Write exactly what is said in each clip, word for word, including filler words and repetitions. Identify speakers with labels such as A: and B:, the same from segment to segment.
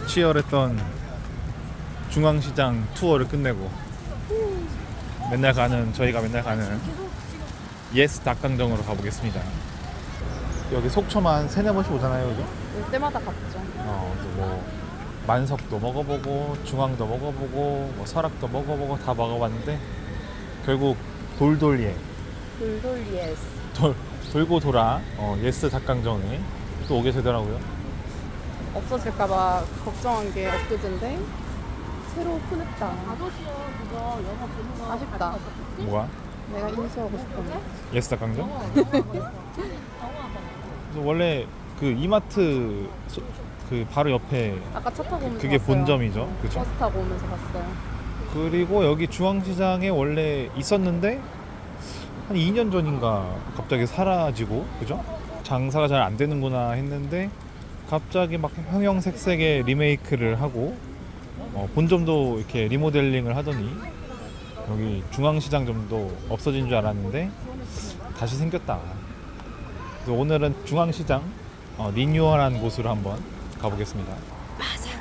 A: 치열했던 중앙시장 투어를 끝내고 맨날 가는 저희가 맨날 가는 예스 닭강정으로 가보겠습니다. 여기 속초만 세네 번씩 오잖아요, 그죠?
B: 올 때마다 갔죠.
A: 어, 그래서 뭐 만석도 먹어보고 중앙도 먹어보고 뭐 설악도 먹어보고 다 먹어봤는데 결국 돌돌예
B: 돌돌 예스.
A: 돌, 돌고 돌아 어, 예스 닭강정에 또 오게 되더라고요.
B: 없어질까봐 걱정한 게 엊그제인데 새로 오픈했다.
C: 아저씨요 그거 영어 보는 거
B: 아쉽다.
A: 뭐가?
B: 내가 인수하고 싶었네.
A: 예스 닭강정? 그래서 원래 그 이마트 소, 그 바로 옆에
B: 아까 차 타고 오면서
A: 그게
B: 봤어요.
A: 본점이죠,
B: 어,
A: 그죠?
B: 버스 타고 오면서 봤어요.
A: 그리고 여기 중앙시장에 원래 있었는데 한 이 년 전인가 갑자기 사라지고, 그죠? 장사가 잘 안 되는구나 했는데 갑자기 막 형형색색의 리메이크를 하고 어, 본점도 이렇게 리모델링을 하더니 여기 중앙시장점도 없어진 줄 알았는데 다시 생겼다. 그래서 오늘은 중앙시장 어, 리뉴얼한 곳으로 한번 가보겠습니다. 맞아.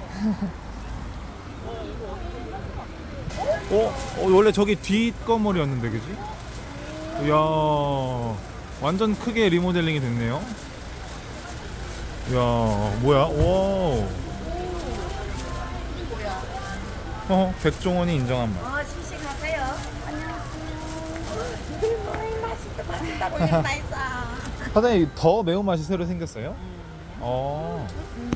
A: 어? 어? 원래 저기 뒷건물이었는데, 그지? 이야, 완전 크게 리모델링이 됐네요. 이야, 뭐야? 오. 어, 백종원이 인정한 맛.
C: 어 씩씩하세요. 안녕하세요. 맛있다 맛있다고 맛있어.
A: 사장님, 더 매운맛이 새로 생겼어요? 어.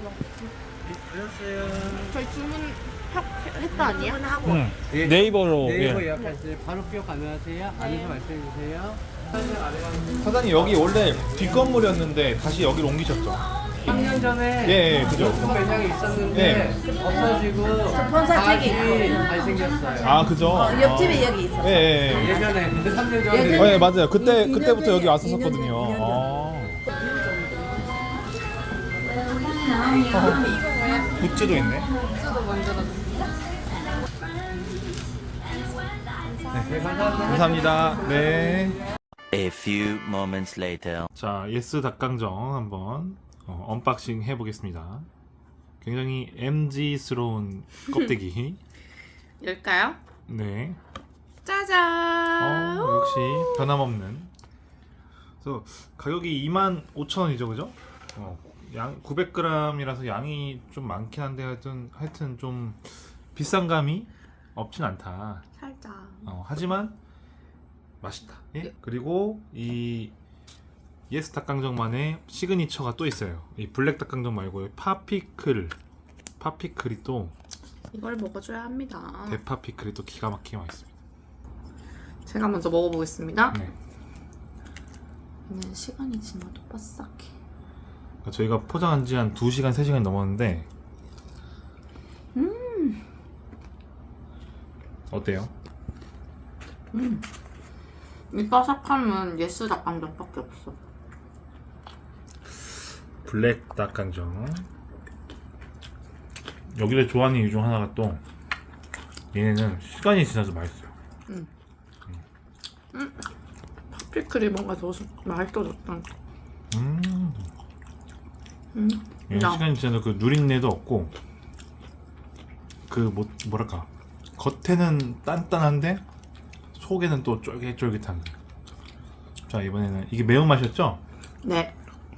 B: 저희 주문 했다 아니야?
C: 하고
A: 음.
D: 예.
A: 네이버로.
D: 네이버
A: 예.
D: 예약하실 바로 기억 가능하세요? 안에서 말씀해 주세요.
A: 사장님, 여기 원래 뒷건물이었는데 다시 여기로 옮기셨죠?
D: 삼 년 전에
A: 예, 예, 그죠?
D: 높은 매장이 있었는데 없어지고 다시 잘생겼어요.
A: 아, 그죠?
C: 어, 옆집에 여기 있어.
A: 예, 예, 예.
D: 예전에 근데 삼 년
A: 어,
D: 전에
A: 예, 맞아요. 그때,
C: 이- 이
A: 그때부터
C: 년
A: 여기
C: 전에,
A: 왔었거든요.
C: 이 년 전,
A: 아. 굿즈도 있네.
B: 굿즈도 만들어줬어.
D: 네, 감사합니다.
A: 감사합니다. 네.
E: A few moments later.
A: 자, 예스 닭강정 한번 어, 언박싱 해보겠습니다. 굉장히 엠지스러운 껍데기.
B: 열까요?
A: 네.
B: 짜잔.
A: 어, 역시 변함없는. 그래서 가격이 이만 오천 원이죠, 그죠? 어, 양 구백 그램이라서 양이 좀 많긴 한데 하여튼 하여튼 좀 비싼 감이 없진 않다.
B: 살짝.
A: 어, 하지만 맛있다. 예? 그리고 이 예스 닭강정만의 시그니처가 또 있어요. 이 블랙 닭강정 말고 파피클, 파피클이 또
B: 이걸 먹어줘야 합니다.
A: 대파 피클이 또 기가 막히게 맛있습니다.
B: 제가 먼저 먹어보겠습니다.
A: 네.
B: 얘는 시간이 지나도 바삭해.
A: 그러니까 저희가 포장한 지 한 두 시간, 세 시간이 넘었는데
B: 음.
A: 어때요?
B: 음. 이 바삭함은 예스 닭강정밖에 없어.
A: 블랙 닭강정. 여기를 좋아하는 이유 중 하나가 또 얘네는 시간이 지나서 맛있어요.
B: 음. 음. 파피클이 뭔가 더 맛있어졌다.
A: 음.
B: 음.
A: 얘는
B: 야.
A: 시간이 지나서 그 누린내도 없고 그 뭐, 뭐랄까 겉에는 단단한데 속에는 또 쫄깃쫄깃한. 자, 이번에는 이게 매운맛이었죠?
B: 네.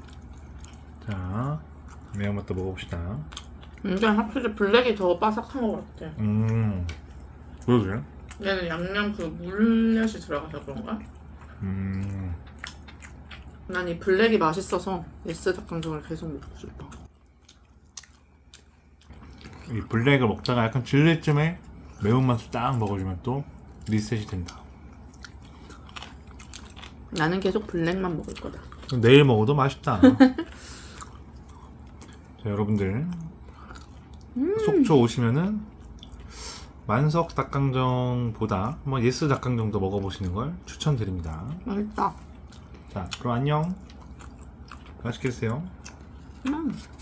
A: 자, 매운맛도 먹어봅시다.
B: 근데 확실히 블랙이 더 바삭한 것 같아.
A: 음, 그러게요.
B: 얘는 양념 그 물엿이 들어가서 그런가?
A: 음,
B: 난 이 블랙이 맛있어서 예스 닭강정을 계속 먹고 싶어.
A: 이 블랙을 먹다가 약간 질릴 쯤에 매운맛을 딱 먹어주면 또 리셋이 된다.
B: 나는 계속 블랙만 먹을 거다.
A: 내일 먹어도 맛있다. 자, 여러분들
B: 음.
A: 속초 오시면은 만석 닭강정보다 한번 예스 닭강정도 먹어보시는 걸 추천드립니다.
B: 맛있다.
A: 자, 그럼 안녕. 맛있게 드세요.
B: 음.